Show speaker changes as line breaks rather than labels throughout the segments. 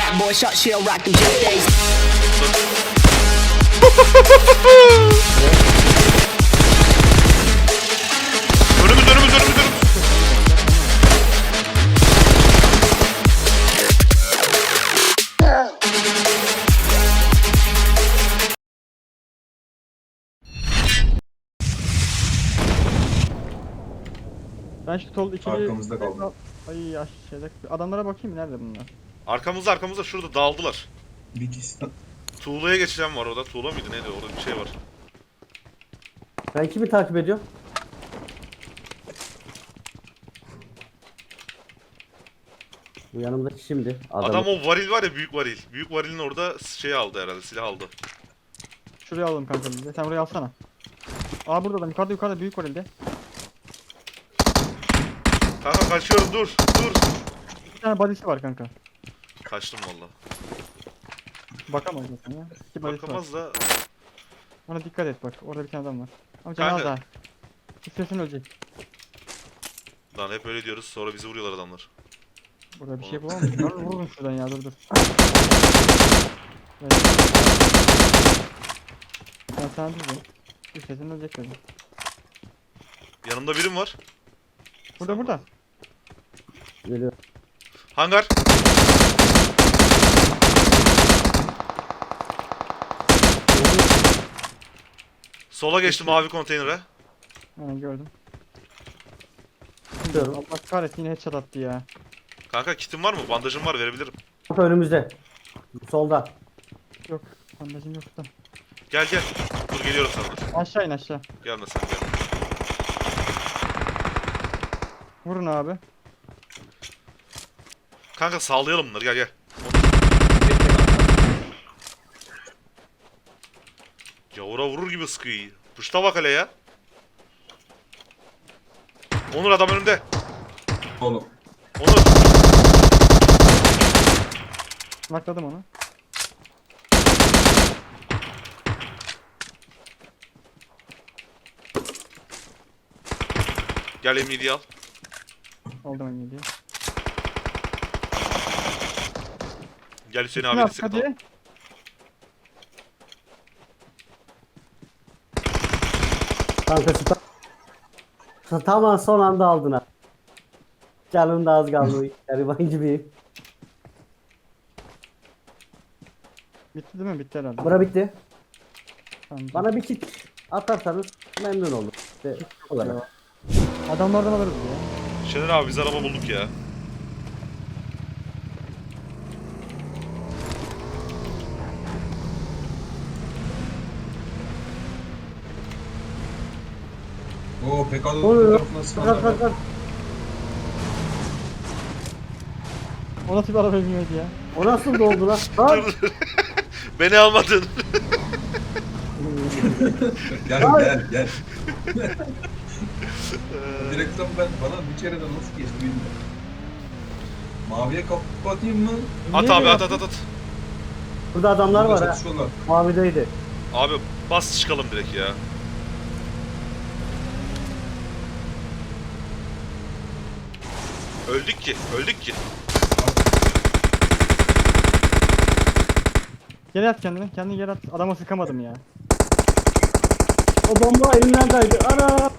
Bad boy shot, she'll rock them Tuesdays.
Önümüz.
Ben şu sol ikili...
Arkamızda kaldı.
Ay ya şeyde... Adamlara bakayım nerede bunlar?
Arkamızda şurada dağıldılar.
Bir kişi.
Tuğla'ya geçeceğim var orada. Tuğla mıydı neydi orada bir şey var.
Ben kimi takip ediyorum? Bu yanımdaki şimdi.
Adam o varil var ya, büyük varil. Büyük varilin orada şey aldı herhalde, silah aldı.
Şuraya alalım kanka bizi. Sen buraya alsana. Aa burada adam yukarıda büyük var elde.
Kanka kaçıyorum, dur.
Bir tane body'si var kanka.
Kaçtım valla.
Bakamaz zaten ya. İki body'si var.
Bakamaz da.
Ona dikkat et bak. Orada bir tane adam var. Ama canı az
Kanka.
daha. İstersen ölecek.
Lan hep öyle diyoruz, sonra bizi vuruyorlar adamlar.
Burada bir şey bulamamış. Vurun şuradan ya dur. Evet. Ben sana dedim. İstersen ölecek dedim.
Yanımda birim var.
Burada.
Geliyor.
Hangar. Sola geçtim mavi konteynere.
Aynen gördüm.
Gidiyorum.
Allah kahretsin yine headshot attı ya.
Kanka kitim var mı? Bandajım var, verebilirim.
Önümüzde. Solda.
Yok. Bandajım yok da.
Gel. Dur geliyorum sana dur.
Aşağı in aşağı.
Gelme sen gel.
Vurun abi.
Kanka sağlayalım bunları, gel. Gavura vurur gibi sıkıyor. Puşta bak hele ya. Onur adam önümde.
Oğlum.
Onur.
Nakladım onu.
Gel M7'yi al.
Aldım en iyi diye.
Gel Hüseyin
Ne
abi
yap
destek
hadi.
atalım.
Kanka tamam son anda aldın ha. Canım da az kaldı. Gariban gibi.
Bitti değil mi? Bitti herhalde.
Bura bitti.
Tamam.
Bana bir kit atarsanız memnun olurum. İşte olarak.
Adamlardan alırız ya.
Şener abi biz araba bulduk ya.
Oo PK'da
Oluyor.
tarafına sıkanlar var.
Kalk.
O nasıl bir araba bilmiyordu ya.
O nasıl doldu lan? Lan!
Beni almadın.
Gel. Direkten bana bir kere de nasıl geçti bilmiyorum. Maviye kapatayım mı?
At
Niye
abi
böyle
at.
Burada adamlar
Burada
var ha.
çatışıyorlar.
Mavideydi.
Abi bas çıkalım direkt ya. Öldük ki.
Geri at kendini. Kendini geri at. Adama sıkamadım ya.
O bomba elimden kaydı. Ana!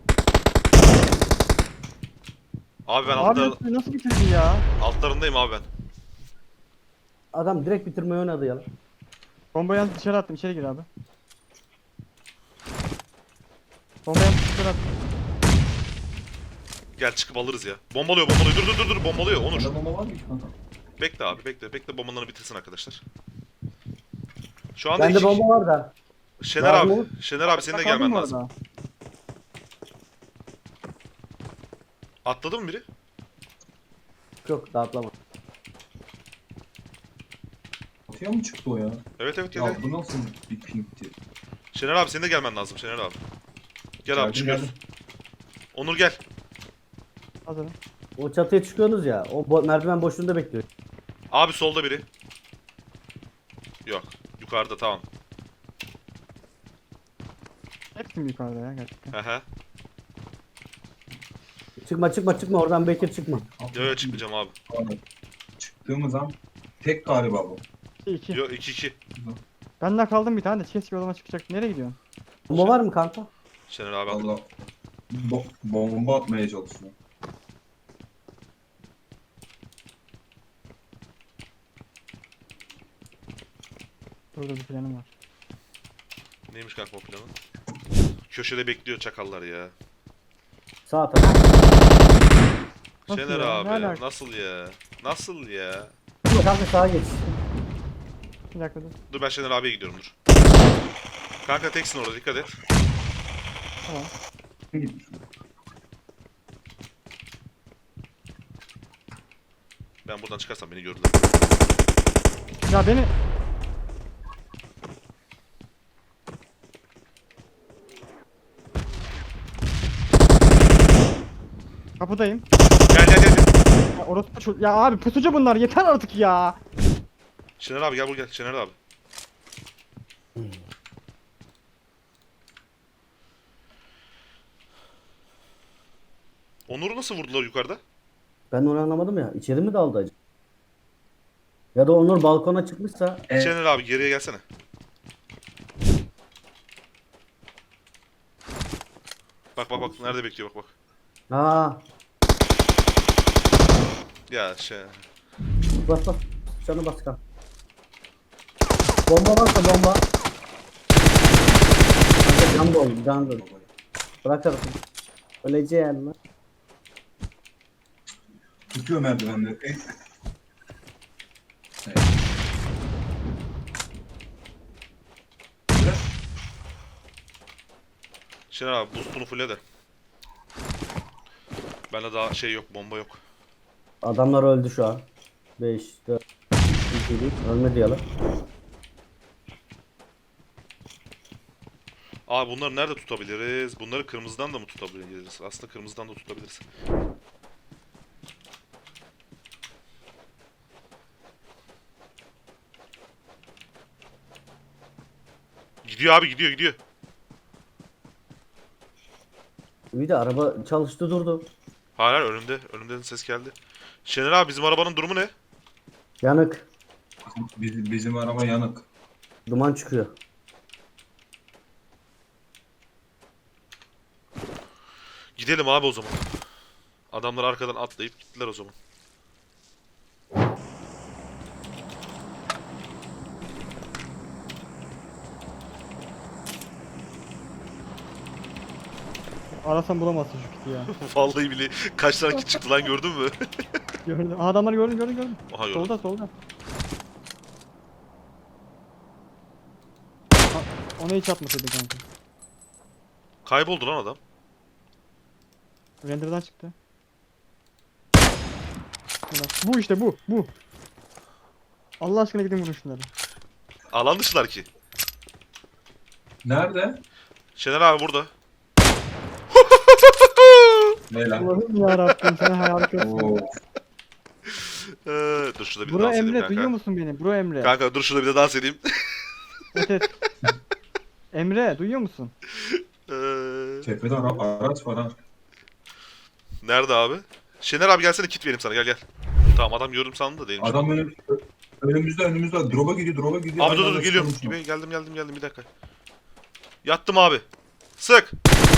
Abi ben
Abi nasıl bitirdi ya?
altlarındayım abi ben.
Adam direkt bitirmeyi oynadı ya.
Bombayı yalnız dışarı attım. İçeri gir abi. Bombayı yalnız dışarı attım.
Gel çıkıp alırız ya. Bombalıyor. Dur bombalıyor Onur.
Bende bomba var mı ki kanka?
Bekle abi bekle bombalarını bitirsin arkadaşlar. Şu anda
Bende bomba var da.
Şener
Var mı?
abi senin de
Kaldın
gelmen
mı
lazım.
orada?
Atladı mı biri?
Yok dağıtlama.
Atıya mı çıktı o ya?
Evet gel.
Ya bu nasıl bir pinkti?
Şener abi senin de gelmen lazım Şener abi. Gel abi
Geldim,
çıkıyoruz.
geldim.
Onur gel.
Hazırım.
O çatıya çıkıyorsunuz ya. O merdiven boşluğunda bekliyor.
Abi solda biri. Yok. Yukarıda tamam.
Hepsi mi yukarıda ya gerçekten?
Hehe.
Çıkma oradan Bekir çıkma.
Yo çıkmayacağım abi.
Abi, çıktığımız an Tek galiba bu.
2.
Yok 2-2.
Ben de kaldım bir tane de chest yoluma çıkacak. Nereye gidiyorsun?
Bomba var mı kanka?
Şener abi aldı.
Valla bomba atmaya çalışıyor.
Burada bir planım var.
Neymiş kanka o planın? Köşede bekliyor çakallar ya.
Sağ taraf.
Nasıl
Şener
ya?
abi
Ne alaka?
nasıl ya? Nasıl ya?
Kanka sağa geç.
Bir dakika dur.
Dur ben Şener abiye gidiyorum dur. Kanka teksin orada dikkat et.
Tamam.
Gitmiş.
Ben buradan çıkarsam beni gördüler.
Ya beni... Kapıdayım.
Gel gel gel gel.
Ya, ya abi pusucu bunlar yeter artık ya.
Şener abi gel buraya gel Şener abi. Onur'u nasıl vurdular yukarıda?
Ben onu anlamadım ya. İçeri mi daldı acaba? Ya da Onur balkona çıkmışsa
Şener abi geriye gelsene. Bak bak bak nerede bekliyor bak bak.
aa
Ya şey.
bas bas. Canı bas kanka. Bomba varsa bomba. Kanka can dolu, can dolu. Bırak tarafını. Öleceğim lan.
Tutuyor merdivenleri. Evet. Biraz
Şener abi boostunu fulle de. Bende daha şey yok bomba yok.
Adamlar öldü şu an. 5, 4, 2, ölmedi yalan.
Abi bunları nerede tutabiliriz? Bunları kırmızıdan da mı tutabiliriz? Aslında kırmızıdan da tutabiliriz. Gidiyor abi gidiyor gidiyor.
Bir de araba çalıştı durdu.
Hayır hayır önümde. Önümden ses geldi. Şener abi bizim arabanın durumu ne?
Yanık.
bizim araba yanık.
Duman çıkıyor.
Gidelim abi o zaman. Adamlar arkadan atlayıp gittiler o zaman.
Arasan bulamazsın şu kiti ya.
Vallahi bile kaç tane kit çıktı lan gördün mü?
Gördüm. Aa, adamları gördüm.
Aha gördüm.
Solda. Ha, ona hiç atmasaydın kanka.
Kayboldu lan adam.
Render'dan çıktı. Ulan, bu işte bu. Allah aşkına gidin vurun şunları.
Alan dışılar ki.
Nerede?
Şener abi burada.
Ne lan?
Allah'ım yarabbim sen harikasın.
Oo.
Dur şurada bir
Bro
dans edeyim
Emre
kanka.
duyuyor musun beni? Bro Emre.
Kanka dur şurada bir de dans edeyim.
Evet. Emre duyuyor musun?
Tepede araç var ha.
Nerede abi? Şener abi gelsene kit vereyim sana gel. Tamam adam gördüm sandım da değilmiş.
Adam önümüzde. Drop'a gidiyor.
Abi
Aynı
dur
anda
geliyorum.
çıkıyormuş
Geldim bir dakika. Yattım abi. Sık.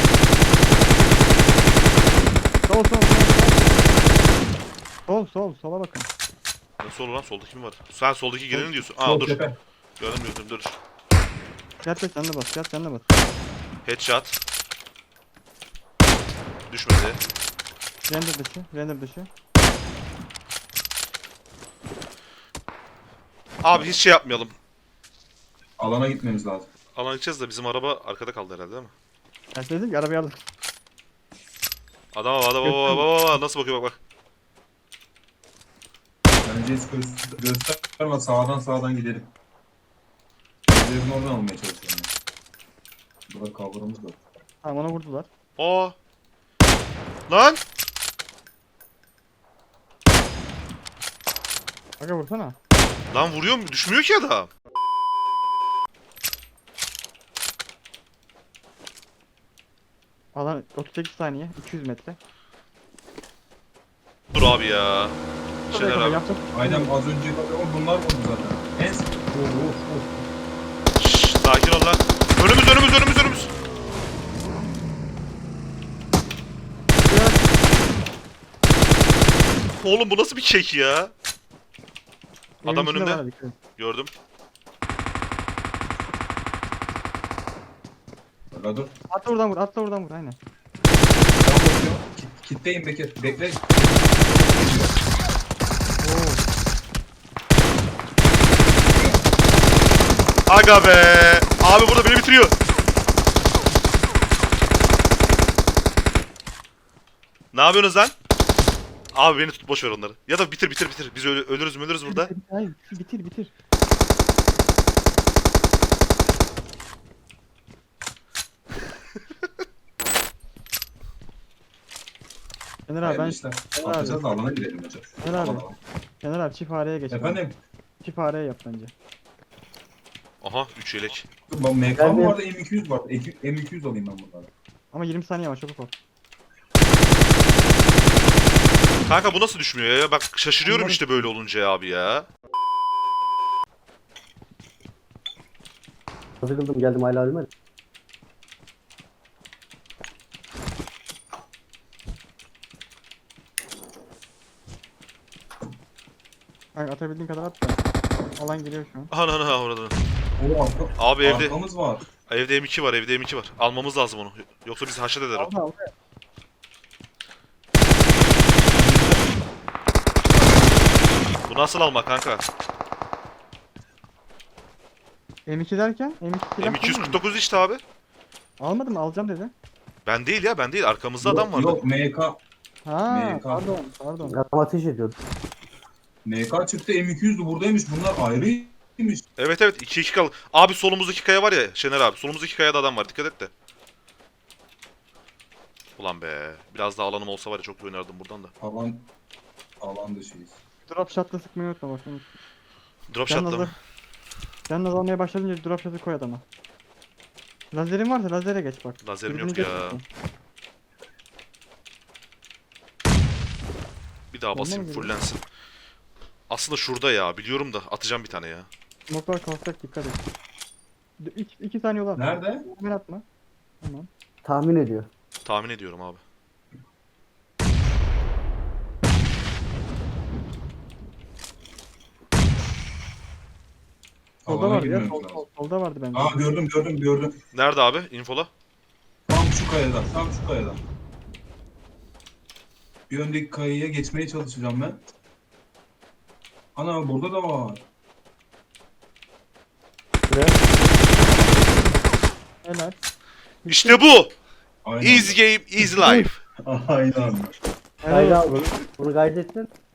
Sol sola bakın.
Ne solu lan soldaki kim var? Sen soldaki geleni diyorsun.
Sol
Aa dur.
tepe.
Gördüm dur.
Yat sen de bas.
Headshot. Düşmedi.
Render dışı.
Abi hiç şey yapmayalım.
Alana gitmemiz lazım.
Alan gideceğiz de bizim araba arkada kaldı herhalde değil mi?
Ben size dedim ki arabayı aldım.
Adama bak nasıl bakıyor bak.
Bence hiç gösterme, sağdan gidelim. Evlerin oradan almaya çalışıyorum. Burada cover'ımız var.
Tamam ona vurdular.
Aa. Lan.
Aga vursana.
Lan vuruyor mu? Düşmüyor ki adam.
Alan 38 saniye. 200 metre.
Dur abi ya.
Burada
Şener
yakında
abi.
yapacak.
Aynen az önce bunlar vurdu zaten. En
Şşş, sakin ol lan. Önümüz. Oğlum bu nasıl bir kek ya? Adam
Evin içinde
önümde.
var, dikkat et.
Gördüm.
Hala dur.
Atla oradan vur aynen.
Ben bakıyorum. Kitleyim Bekir. Bekle.
Oo.
Aga be. Abi burada beni bitiriyor. Ne yapıyorsunuz lan? Abi beni tut, boş ver onları. Ya da bitir. Biz ölürüz burada.
Hayır bitir. Şener abi
Hayırlı
ben
işler.
Şener
Atacağız
abi.
da alana gidelim hocam.
Şener abi.
Alana.
Şener abi çift fareye geç.
Efendim?
Çift fareye yap bence.
Aha 3 yelek.
Bak MK
Ben
mı
de-
vardı M200 var. M200 alayım ben bunları.
Ama 20 saniye var çabuk ol.
Kanka bu nasıl düşmüyor ya? Bak şaşırıyorum işte böyle olunca ya abi ya.
Sıkıldım geldim hala ölmedi.
Kanka atabildiğin kadar at da. Alan geliyor şu an.
Ana orada.
O arka,
Abi evde
arkamız var.
evde M2 var. Almamız lazım onu. Yoksa bizi haşet eder o.
Aldı.
Bu nasıl almak kanka?
M2 derken? M2 silah değil mi?
M249 işte abi.
Almadım mı? Alacağım dedi.
Ben değil. Arkamızda adam vardı.
Yok MK.
Ha
MK.
pardon.
Adam ateş ediyordu.
MK çıktı M200'dü buradaymış. Bunlar ayrıymış.
Evet 2-2 kaldı. Abi solumuzdaki kaya var ya Şener abi. Solumuzdaki kayada adam var. Dikkat et de. Ulan be. Biraz daha alanım olsa var ya çok iyi oynardım buradan da.
Alan dışıyız.
Drop shot'la sıkmayı unutma bak.
Drop shot'la mı?
Sen almaya başladınca drop shot'ı koy adama. Lazerin varsa lazere geç bak.
Lazerim
Dürbünü
yok ya.
geçmesin.
Bir daha
Ondan
basayım
mı
fullensin. Aslında şurada ya. Biliyorum da atacağım bir tane ya.
Smoklar kalkacak dikkat et. 2 saniye olan.
Nerede?
Ben atma. Tamam.
Tahmin ediyor.
Tahmin ediyorum abi.
Solda
Alana
vardı ya.
girmemiz lazım.
Solda vardı bence.
Aa gördüm.
Nerede abi? Infola.
Tam şu kayadan. Bir öndeki kayaya geçmeye çalışacağım ben. Ana burada da var.
Şuraya.
Helal.
İşte bu.
Aynen.
Easy game, easy life.
Aynen.
Helal
Kaydı
olsun.
al bunu. Bunu kaydettin.